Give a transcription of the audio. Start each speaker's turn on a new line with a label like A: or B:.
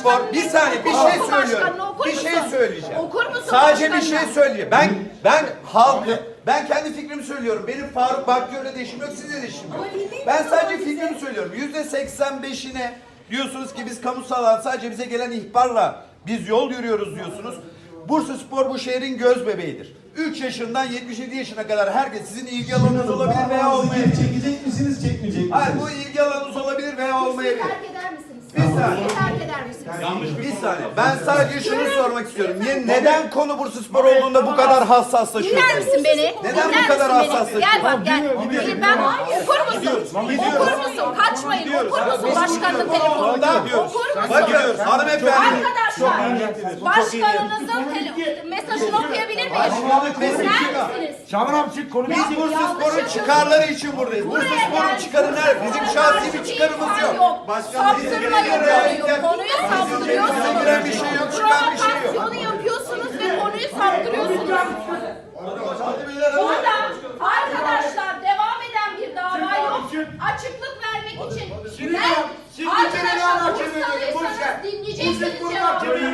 A: Bursaspor bir saniye bir şey
B: Oku
A: söylüyorum.
B: başkanını, okur
A: Bir şey
B: musun?
A: söyleyeceğim.
B: Okur musun
A: Sadece bir
B: başkanını?
A: şey söyleyeceğim. Ben kendi fikrimi söylüyorum. Benim Faruk Bakçı'yla de işim yok, sizle de işim yok. Ben sadece fikrimi söylüyorum. %85'ine diyorsunuz ki biz kamusal alan sadece bize gelen ihbarla biz yol yürüyoruz diyorsunuz. Bursaspor bu şehrin göz bebeğidir. 3 yaşından 77 yaşına kadar herkes sizin ilgi alanınız olabilir veya olmayabilir.
C: Çekecek misiniz, çekmeyecek misiniz?
A: Hayır, bu ilgi alanınız olabilir veya olmayabilir.
B: Terk eder misiniz?
A: Bir saniye.
B: Terk eder misiniz?
A: Bir saniye. Ben sadece şunu sormak istiyorum. Neden konu Bursaspor olduğunda bu kadar
B: Dinler
A: hassaslaşıyorsunuz?
B: misin beni?
A: Neden
B: Dinler
A: bu kadar
B: misin beni?
A: hassaslaşıyorsun?
B: Gel bak gel. Ben okur musun? Okur musun? Kaçmayın. Okur musun başkanın telefonunu? Okur musun?
A: Bakın hanımefendi.
B: Arkadaşlar başkanınızın mesajını okuyabilir miyim? Dinler misiniz?
D: Şaban abi çık konu
A: Biz Bursaspor'un çıkarları için buradayız. Bursaspor'un çıkarı nerede? Bizim şahsi bir çıkarımız yok.
B: Saptırmayın konuyu. Konuyu saptırıyorsunuz.
A: Giren bir şey yok, çıkan bir şey yok.
B: Provokasyonu yapıyorsunuz ve konuyu saptırıyorsunuz. Burada arkadaşlar devam eden bir dava yok. Açıklık vermek için. Ben arkadaşlar Bursalıysanız dinleyeceksiniz cevabını.